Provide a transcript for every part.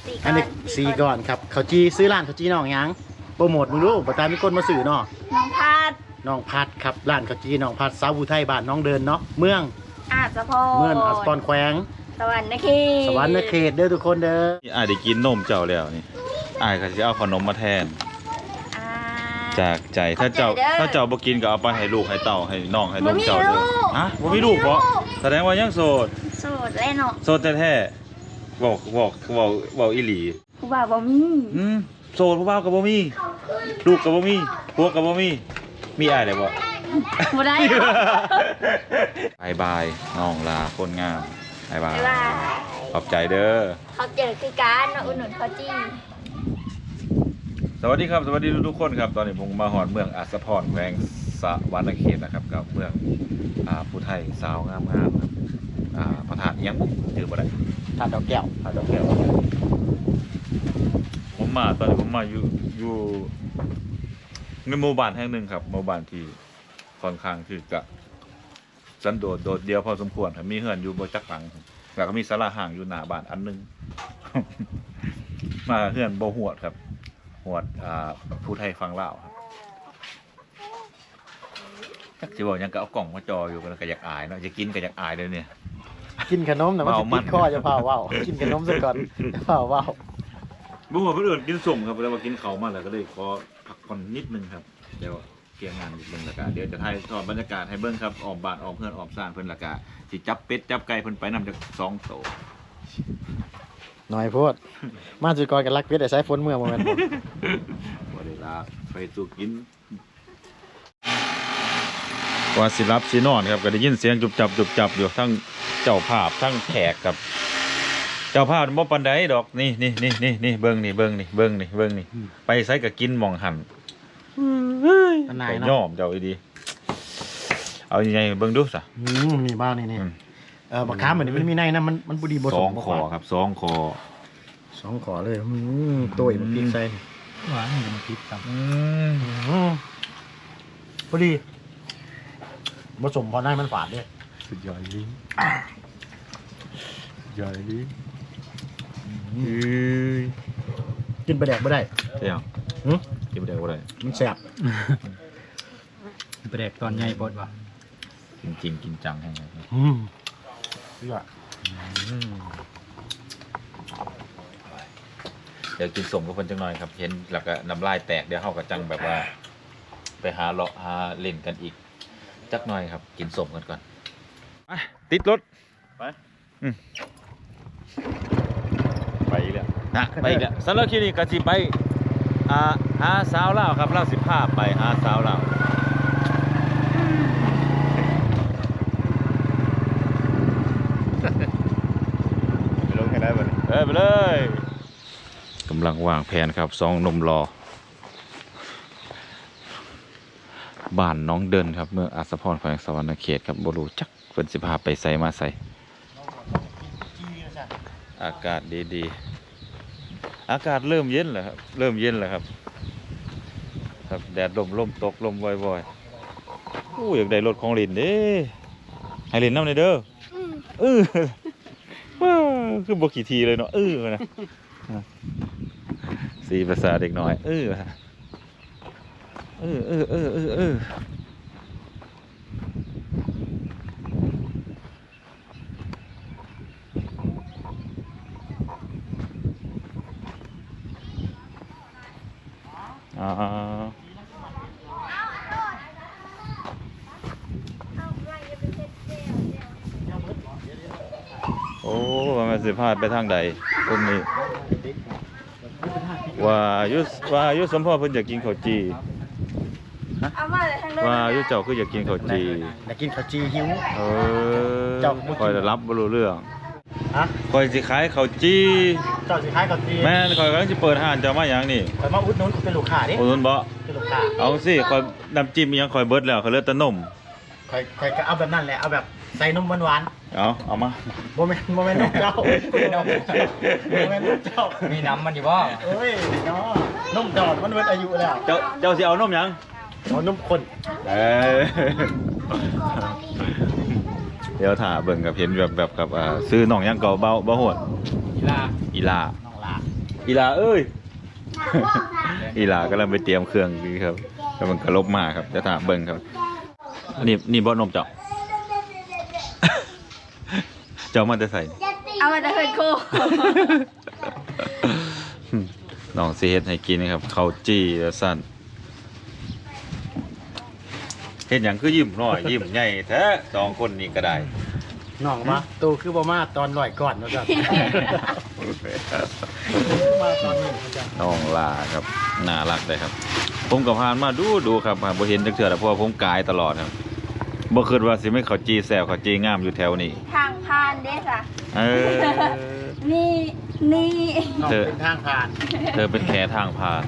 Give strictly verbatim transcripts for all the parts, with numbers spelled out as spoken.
อันนี้สีก่อนครับเขาจีซื้อร้านเขาจีน้องยังโปรโมทมึงรู้ประธานมีคนมาสื่อเนาะน้องพัดน้องพัดครับร้านเขาจีน้องพัดสาวอุทัยบ้านน้องเดินเนาะเมืองอาจจะพอเมืองอัสปอนแขวงสวรรค์นครสวรรค์เขตเด้อทุกคนเด้อนี่อายได้กินนมเจ้าแล้วนี่อายก็จะเอาขนมมาแทนอ่าจากใจถ้าเจ้าขอบใจเด้อถ้าเจ้าบ่กินก็เอาไปให้ลูกให้เต่าให้น้องให้นมเจ้าบ่มีเด้อลูกฮะบ่มีลูกเพราะแสดงว่ายังโสดโสดแล้วเนาะโสดแท้ๆบอกบอกบอกบอกอีหลีผู้บ่าวบ่มีอืมโสดผู้บ่าวก็บ่มีลูกก็บ่มีพวกก็บ่มีมีอ้ายได้บ่บ่ได้บายบายน้องลาคนงามบายบายบ๊ายบายขอบใจเด้อเขาเจอคือการมาอุดหนุนเขาจี้สวัสดีครับสวัสดีทุกๆคนครับตอนนี้ผมมาหอดเมืองอัสสะพรแขวงสะวรรณเขตนะครับกับเมืองอ่าผู้ไทยสาวงามๆครับอ่าประธานอิหยังบุ๊กถือบ่ได้ทานดอกแก้วพาดอกแก้วผมมาตอนนี้ผมมาอยู่อยู่ในหมู่บ้านแห่งหนึ่งครับหมู่บ้านที่ค่อนข้างที่จะสันโดษโดดเดียวพอสมควรครับมีเฮือนอยู่บนจักหลังแล้วก็มีศาลาห่างอยู่หน้าบ้านอันหนึง มาเฮือนบ่หวดครับหวดอ่าผู้ไทยฟังลาวครับจักสิบอกหยังก็เอากล่องมาจออยู่ก็อยากอายเนาะจะกินก็อยากอายเลยเนี่ยกินขนมนะมันเมาจะมัตินดคอจะเผาว่าวกินขนมซะก่อนจะเผาว่าวบ่หัวเพื่อนกินส้มครับแล้วมากินเขาวมาแล้วก็เลยขอพักผ่อนนิดนึงครับเดี๋ยวเกี่ยงงานนิดนึงแล้วก็เดี๋ยวจะถ่ายทอดบรรยากาศให้เบิ่งครับออมบ้านออมเพื่อนออมซ่านเพิ่นและก็สิจับเป็ดจับไก่เพิ่นไปนำจากสองโตหน่อยโพดมาจุดก่อนกันรักเพชรแต่ใช้ฝนเมื่อโมเมนต์บ่ได้ลาไปสู่กินว่าสิรับสินอนครับก็ได้ยินเสียงจุบจับจุบจับอยู่ทั้งเจ้าภาพทั้งแขกครับ เจ้าภาพบ่ปานใดดอกนี่นี่นี่นี่นี่เบิ่งนี่เบิ่งนี่เบิ่งนี่เบิ่งนี่ไปไสก็กินหม่องหั่นนายไปเนาะย่อมเจ้าอีดีเอายังไงเบิ่งดูซะอืมมีบ้างนี่นี่อืมเออบักค้าเหมือนมันมีในนะมันมันบุดีบสสอมงบ่คอครับสองคอสองขอเลยอืมตัวอีกมันพริกใส่หวานมันพริกครับอืมอืมพอดีผสมพอได้มันฝาดด้วยสุดยอดลิ้นยอดลิ้นกินไปแดกไม่ได้เที่ยวหึกินไปได้บ่ได้มันแซ่บแปลกตอนใหญ่ปดว่ะกินจริงกินจังให้ไงอืมเชื่อเดี๋ยวกินสมกับเพิ่นจังหน่อยครับเห็นแล้วก็น้ำลายแตกเดี๋ยวเฮาก็จังแบบว่า ไปหาเลาะหาเล่นกันอีกจักหน่อยครับ กินสมกันก่อนไปติดรถไปอืมไปอีกแล้วนะไปอีกแล้วสำหรับคลิปนี้ก็สิไปอ่าหาสาวลาวครับลาวสิพาไปหาสาวลาวไปลงกันได้บ่เอ้ยไปเลยกำลังวางแผนครับสองหนุ่มรอบ้านน้องเดินครับเมืองอัสสะพรแขวงสะวรรณเขตครับบ่รู้จักเพิ่นสิพาไปไสมาไสอากาศดีๆอากาศเริ่มเย็นแล้วครับเริ่มเย็นแล้วครับครับแดดลมลมตกลมว่อยๆอู้อยากได้รถของลินเด้ให้ลินนำหน่อยเด้อเออว้าวคือบ่ขี่ทีเลยเนาะเออนะสีภาษาเด็กน้อยเออเออเออเออเออเอออ่าโอ้มันสิพาดไปทางใดตรงนี้ว่ายุว่ายุสมพ่อเพิ่นอยากกินข้าวจีเอามาเลยทางเดินว่ายุเจ้าคืออยากกินข้าวจีอยากกินข้าวจีหิวเออเจ้าบ่กินคอยจะรับบ่รู้เรื่องฮะคอยสิขายข้าวจีเจ้าสิขายข้าวจีแม่นคอยกำลังสิเปิดห้านเจ้ามาหยังนี่คอยมาอุดหนุนเป็นลูกค้าดิโอ้นบ่เป็นลูกค้าเอาสิคอยน้ำจิ้มอิหยังคอยเบิดแล้วคอยเหลือแต่นมคอยคอยก็เอาแบบนั้นแหละเอาแบบใส่นมหวานเอาเอามาๆโมเมนต์โมเมนต์นมเจ้าโมเมนต์นมเจ้ามีน้ำมันอยู่บ่เอ้ยเนาะนมจอดมันเวทอายุแล้วเจ้าเจ้าสิเอานมหยังเอานมคนเออ เดี๋ยวถ่าเบิ่งกับเห็นแบบแบบกับอ่าซื้อน้องหยังเก่าเบาเบาโหดอีลาอีลาน้องลาอีหลาเอ้ย อีหลากำลังไปเตรียมเครื่องอยู่ครับแล้วมันก็ลบมาครับจะถามเบิ่งครับอันนี้นี่บ่นมเจ้า เจ้ามันจะใส่เอามาแต่เฮินโคน้องสิเฮ็ดให้กินนะครับข้าวจี้แล้วสั่นเฮ็ดหยังคือยิ้มน้อยยิ้มใหญ่แท้สองคนนี้ก็ได้น้องมาตูคือบ่มาตอนลอยก่อนเนาะจ้ะ มาตอนนี้เนาะจ้ะน้องลาครับน่ารักเลยครับ ผมกับพานมาดูดูครับบ่เห็นจักเทื่อแต่เพราะว่าผมกายตลอดครับบ่คิดว่าสิไม่ข้าวจี้แซ่บข้าวจี้งามอยู่แถวนี้ทางผ่านเด้ค่ะเออนี่นี่น้องเธอเป็นทางผ่านเธอเป็นแค่ทางผ่าน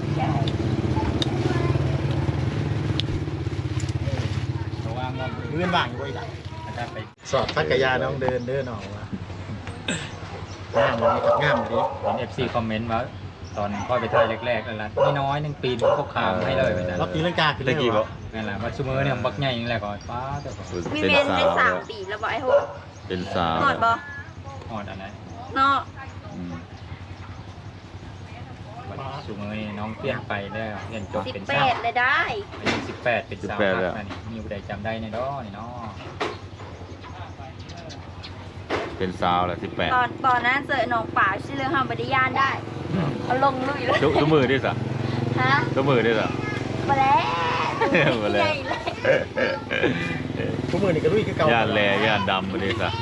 เพราะว่างอมเลื่อนว่างอยู่บ่อีกอ่ะอาจารย์ไปสอบพักกะยาน้องเดินเด้อน้องว่ะงามเลยครับงามเลยเห็น เอฟ ซี คอมเมนต์ว่าตอนพ่อไปถ่ายแรกๆแล้วล่ะนี่น้อยหนึงปีนพวกขามให้เลยไปจ้ะรอบตีลังกาขึ้นเลตะยกี้บ่วะนั่นแหละว่าซูเมอร์เนี่ยบักใหญ่อย่างแรกก่อนป้าแต่ก็มีเป็นเมนสาได้วสามแล้วปีแล้วบอกไอ้โหเป็นสาวหอดบ่ฮอดอันไหนเนาะอืมซูเมอร์นี่น้องเปลี่ยนไปแล้วเรียนจบสิบเป็นแปสาวดเลยได้อายุสิบแปดเป็นสาวครับนั่นนี่มีผู้ใดจำได้ในด้อนี่เนาะเป็นสาวแล้วสิบแปดตอนตอนนั้นเจอหนองป่าชื่อเรื่องห้ามบริยานได้เอาลงลุยเลยทุกทุกมือด้วยสะฮะทุกมือด้วยสะมาแล้วมาแล้วใหญ่เลยทุกมือนี่ก็ลุยคือเก่าย่านแลย่านดำมาด้วยสะ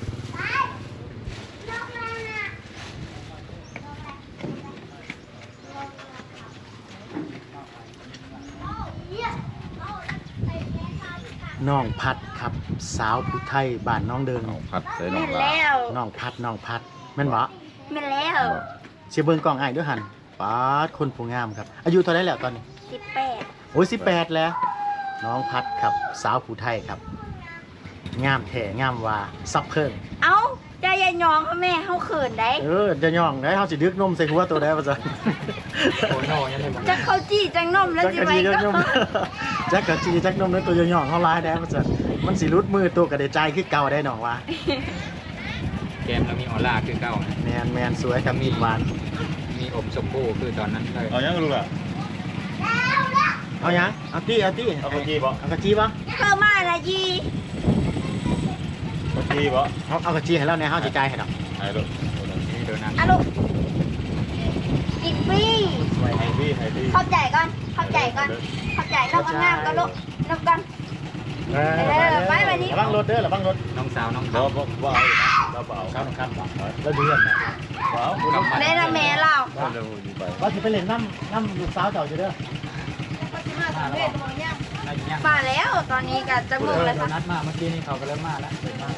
น้องพัดครับสาวผู้ไทยบ้านน้องเดินน้องพัดใส่น้แม่องนลาแล้วน้องพัดน้องพัดแม่นบ่แม่นแล้วเชียร์เบิ่งกล้องอ้ายด้วยหันปาดคนผู้งามครับ อายุเท่าไหร่แล้วตอนนี้สิบแปดโอ้ยสิบแปดแล้ว น้องพัดครับสาวผู้ไทยครับ งามแท้งามว่าซับเพิ่งเอ้าใจยายยองเขาแม่เขาเขินได้เออจะย่องได้เฮาสิดึกนมใส่หัวตัวได้ว่าซั่นโอ้โน่ยังไงบ้างจะเข้าจี้จังนมแล้วจักสิกะไปจีจักก็นม จักกะจีจักนมนั้นตัวย่องๆเฮาหลายได้ว่าซั่นมันสิรุดมือตัวก็ได้ใจคือเก่าได้น้องว่าเกมเรามีออร่าคือเก่านะแมนแมนสวยครับมีหวานมีอบชมพู่คือตอนนั้นเลยเอายังลูกอ่ะเอายังเอาตี้เอาตี้เอากะจีบ่เอากะจีบ่เข้ามาละยีกะจีบ่เอาเอากะจีให้เราแหน่เฮาสิจ่ายให้ดอกไอ้ลูกนี่โดนัทอะลูกอีกฟรีไฮดี้ไฮดี้เข้าใจก่อนเข้าใจก่อนเข้าใจนกงามก็ลูกนกกันเออเออไปไปนี่ระวังรถเด้อระวังรถน้องสาวน้องบ่สาวบ่บ่เอาเราบ่เอาครับครับแล้วเดือนนะว้าวได้ละแม่เราเร็วอยู่ไปว่าสิไปเล่นน้ำน้ำลูกสาวเจ้าอยู่เด้อน่าจะยังมาแล้วตอนนี้ก็จะงงแล้วโดค่ะนัทมาเมื่อกี้นี่เขาก็เริ่มมาแล้วเริ่มมา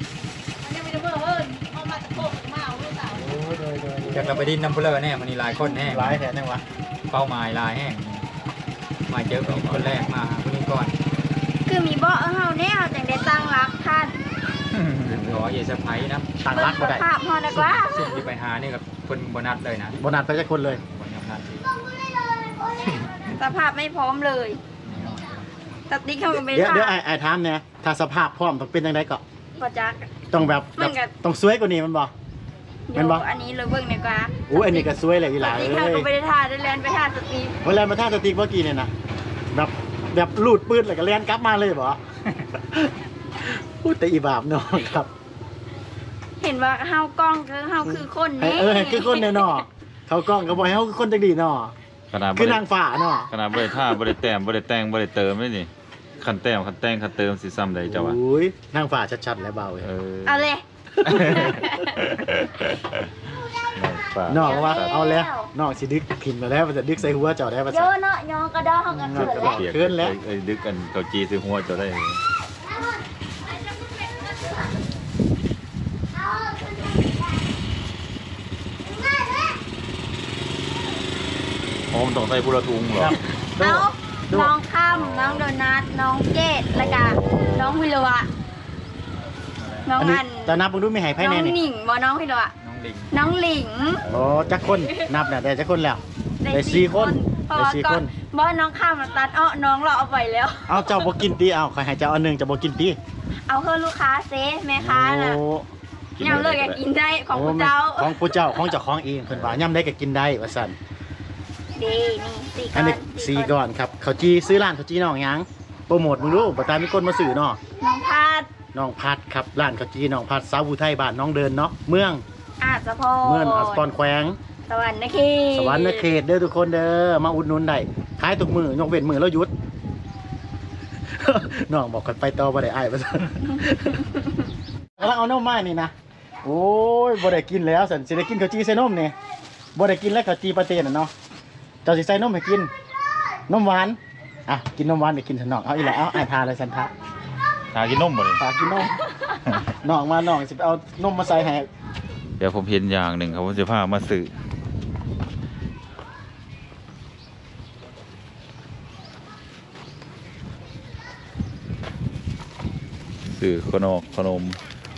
โอ้ยโดยโดยจากเราไปดินน้ำพุเลอร์แน่มันนี่หลายคนแน่หลายแท้แน่วะเป้าหมายหลายแห้งมาเจอกับคนแรกมาคนนี้ก่อนคือมีเบาะเฮาเนี่ยจังได้ตั้งรักท่านขอเยสไพรส์นะต่างเบิ่รังกสบ่ได้ภาพเฮาดีกว่าซึ่งที่ไปหานี่กับคนโบนัสเลยนะโบนัสไปจักคนเลยโบนัสสภาพไม่พร้อมเลยสติ๊กเข้ากันเป็นเดี๋ยวภาเดี๋ยวพไอ้ไอ้ถามเนี่ยถ้าสภาพพร้อมต้องเป็นจังไดก็บ่จักต้องแบบมันก็ต้องสวยกว่านี้มันบ่ แม่เดี๋ยนวบ่อันนี้เลยเบิ่งดีกว่าโอ้ยอันนี้ก็สวยเลยอีหสลาติ๊เอ้กเข้าย ก็ไม่ได้ทาได้แลนไปทาสติ๊กเวลามาท่าสติ๊กเมื่อกี้เนี่ยนะแบบแบบลูดปืนแล้วก็เลียนกลับมาเลยบ่ พูดแต่อีบาปเนาะครับเห็นว่าเฮากล้องคือเฮาคือคนให้แน่เออให้คือคนแน่เนาะเขากล้องก็บ่ให้เฮาคือคนจังดีเนาะขนาดบ่คือได้นางฟ้าเนาะขนาดบ่ได้ท่าบ่ได้แต้มบ่ได้แต่งบ่ได้เติมเลยนี่คันแต้มคันแต่งคันเติมสิซ้ำใดเจ้าวะโอ้ยนางฟ้าชัดๆแล้วเบาเว้ยเออเอาเลยน้องว่าเอาแล้วน้องสิดึกพิมพ์มาแล้วมันจะดึกใส่หัวเจ้าได้ป่ะเยอะเนาะยองกระดองกันเกิดแล้วเปียกเกินแล้วเอ้ยดึกกันเกาจีซื้อหัวเจะได้อ๋อมันต้องใส่พุละทุงเหรอครับเอาน้องค่ำน้องโดนัทน้องเกดแล้วก็น้องพิรวะน้องอันนี้อันแต่นับมึงดูไม่ให้ไพ่น้แน่องนี่หนิงบ่น้องพิรวะน้องลิงน้องหลิงโอ้จักคนนับเนี่ยได้จักคนแล้วได้สี่คนเพราะได้ว่าสี่ก่คอนนบ่น้องข้ามมาตัดอ้อน้องเราเอาไปแล้วเอาเจ้าบ่กินตีเอาใครให้เจ้าอันหนึงเจ้าบ่กินตีเอาเพื่อลูกค้าเซแม่ค้าน่ะโอ้กินยำเลยก็กินได้ของพระเจ้าโของผู้เจ้าของเจ้าของเองเพิ่นว่าย่ำได้ก็กินได้ว่าซั่นดีนี่สี่ก้อัอน นนี้สี่ก่อนครับข้าวจีซื้อร้านข้าวจีน้องหยังโปรโมทมึงรู้บ่ตามมีคนมาซื้อเนาะน้องพาดน้องพัดครับร้านข้าวจีน้องพัดสาวอุทัยบ้านน้องเดินเนาะเมืองอาจจะพอเมืองอัสปอนแขวงสวรรค์นะคีสวรรค์เขตเด้อทุกคนเด้อมาอุดหนุนได้ขายทุกมือยกเว้นมือแล้วหยุด น้องบอกกันไปต่อบ่ได้อ้ายว่าซั่น กำลังเอานมมานี่นะโอ้ยบ่ได้กินแล้วสันสิได้กินข้าวจีใส่นมนี่บ่ได้กินแล้วข้าวจีปลาเต้นน่ะเนาะเจ้าสิใส่นมให้กินนมหวานอ่ะกินนมหวานได้กินซะน้องเอาอีหละเอาอ้ายพาเลยสันทะหากินนมบ่นี่พากินนม น้องมาน้องสิไปเอานมมาใส่ให้เดี๋ยวผมเห็นอย่างหนึ่งครับผมจะพามาซื้อซื้อขนมขนม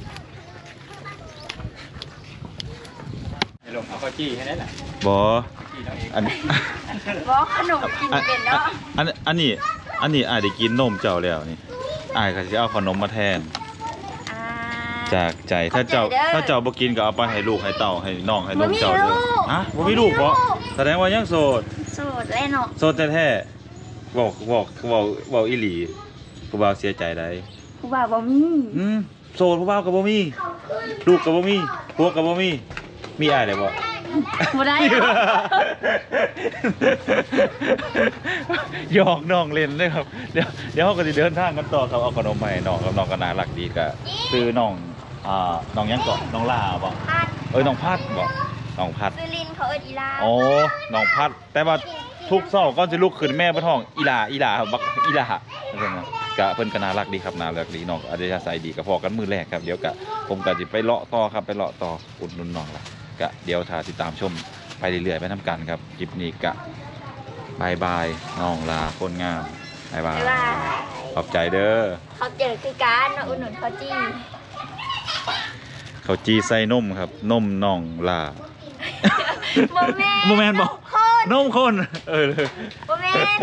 เดี๋ยวลงเอาข้าวจี้ให้ได้แหละบอจี้เราเองอันนี้บอกขนมกินเป็นเนาะอันอันนี้อันนี้อายได้กินนมเจ้าแล้วนี่อายก็จะเอาขนมมาแทนอ่าจากใจถ้าเจ้าขอบใจเด้อถ้าเจ้าบ่กินก็เอาไปให้ลูกให้เต่าให้น้องให้ลูกบ่มีเจ้าด้วยลูกฮะบ่มีลูกบ่มีบ่ลูกแสดงว่ายังโสดสูตรเลยเนาะโสดแท้ๆบอกบอกบอกบอกอีหลีผู้บ่าวเสียใจได้ผู้บ่าวบ่มีอืมโสดผู้บ่าวก็บ่มีลูกก็บ่มีพวกก็บ่มีมีอ้ายได้บ่บ่ได้หยอกน้องเล่นเลยครับเดี๋ยวเดี๋ยวเขาก็จะเดินทางกันต่อครับเอาขนมมาให้น้องครับน้องก็น่ารักดีก็ซื้อน้องอ่าน้องยังเกาะน้องลาบ่พัดเอ้ยน้องพัดบ่น้องพัดซื้อลินเขาเอิ้นอีลาโอ้น้องพัด แต่ว่าทุกเช้าก็จะลุกขึ้นแม่บ่ท้องอีหลาอีหลาครับบักอีหลาเพิ่นน่ะก็เพิ่นก็น่ารักดีครับน่ารักดีน้องอัธยาศัยดีก็พอกันมื้อแรกครับเดี๋ยวก็ผมก็สิไปเลาะต่อครับไปเลาะต่ออุดหนุนน้องล่ะก็เดี๋ยวถ้าติดตามชมไปเรื่อยๆไปนํกันครับคลิปนี้ก็บายบายน้องลาคนงามบายบายบ๊ายบายขอบใจเด้อเขาเจอคือการมาอุดหนุนเขาจี้เขาจีใส่นมครับ นมน้องลาบ่แม่นบ่แม่นบ่คนนมคน เออเลยบ่แม่น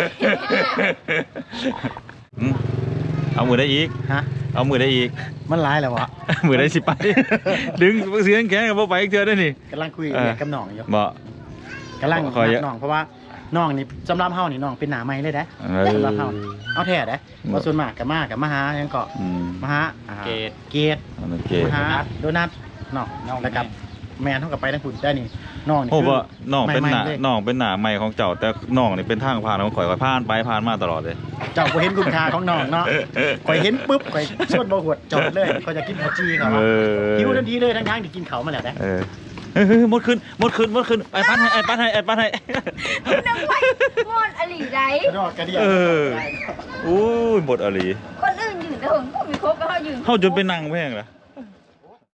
อืมเอามือได้อีกฮะเอามือได้อีกมันหลายแล้ววะมือได้สิไป ดึงเสียงแข็งกับบ่ไปอีกเทื่อได้อนี่กำลังคุยเออกับน้องอยู่บ่กำลังขอเยอะน้องเพราะว่าน้องนี่สำหรับเฮานี่น้องเป็นหน้าใหม่เลยเด้เออสำหรับเฮานี่เอาแท้เด้บ่ส่วนมากก็มาก็มาหาหยังก็อืมมาหาอ่าเกตเกตโอเคมาหาโดนัทน้องน้องแล้วกับ แม่นเท่ากับไปทั้งคุณได้นี่น้องนี่โอ้คือบ่น้องเป็นหน้าใม่ๆเลยน้องเป็นหน้าใหม่ของเจ้า แต่น้องนี่เป็นทางผ่านของข่อยข่อยผ่านไปผ่านมาตลอดเลยเจ้าก็เห็นคุณค่าของน้องเนาะข่อยเห็นปุ๊บข่อยชวนบ่หวดจอดเลยข่อยจะกินข้าวจีเขาเออหิวทันทีเลยทั้งๆที่กินเขาวมาแล้วนะเออเฮ้ยหมดขึ้นหมดขึ้นหมดขึ้นไอ้ปัดให้ไอ้ปัดให้ไอ้ปัดให้นึกว่าม่วนอลีไดกระดอกกระเดียเออ โอ้ยหมดอะไรคนอื่นยืนแต่ผมก็มีครบแล้วเขายืนเฮาจนเป็นนางแพงละ